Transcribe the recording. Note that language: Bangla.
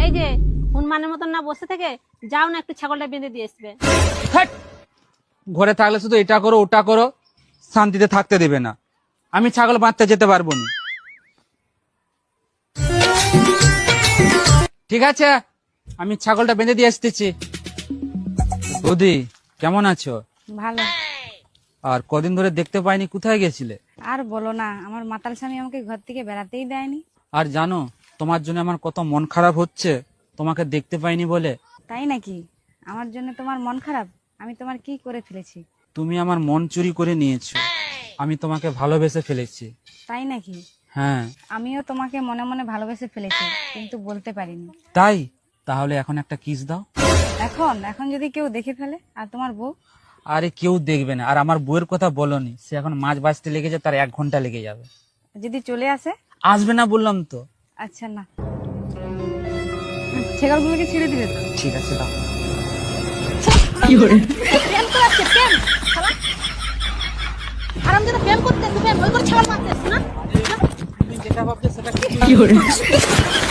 এই যে হনুমানের মতন না বসে থেকে যাও না, একটু ছাগলটা বেঁধে দিয়ে আসবে। হ্যাট! ঘরে থাকলে শুধু এটা করো ওটা করো, শান্তিতে থাকতে দেবে না। আমি ছাগল বাঁধতে যেতে পারবো না। ঠিক আছে, আমি ছাগলটা বেঁধে দিয়ে আসতেছি। বৌদি কেমন আছো? ভালো। আর কদিন ধরে দেখতে পাইনি, কোথায় গেছিলে? আর বলো না, আমার মাতাল স্বামী আমাকে ঘর থেকে বেড়াতেই দেয়নি। আর জানো তোমার জন্য আমার কত মন খারাপ হচ্ছে, তোমাকে দেখতে পাইনি বলে। তাই নাকি? আমার জন্য তোমার মন খারাপ? আমি তোমার কি করে ফেলেছি? তুমি আমার মন চুরি করে নিয়েছো, আমি তোমাকে ভালোবেসে ফেলেছি। তাই নাকি? হ্যাঁ। আমিও তোমাকে মনে মনে ভালোবেসে ফেলেছি, কিন্তু বলতে পারিনি। তাই? তাহলে এখন একটা কিস দাও। এখন এখন যদি কেউ দেখে ফেলে? আর তোমার বউ? আরে কেউ দেখবে না, আর আমার বউয়ের কথা বলনি, সে এখন মাছ বাঁচতে লেগেছে, তার 1 ঘন্টা লেগে যাবে। যদি চলে আসে? আসবে না বললাম তো। আচ্ছা না, ছেগলগুলোকে ছেড়ে দিবে তো? ঠিক আছে দাও। প্রেম করাচ্ছে, প্রেম শালা। আরাম যেটা প্রেম করতে প্রেম ওই করে ছাগল মারতেছ না। তুমি যেটা ভাবছো সেটা কি?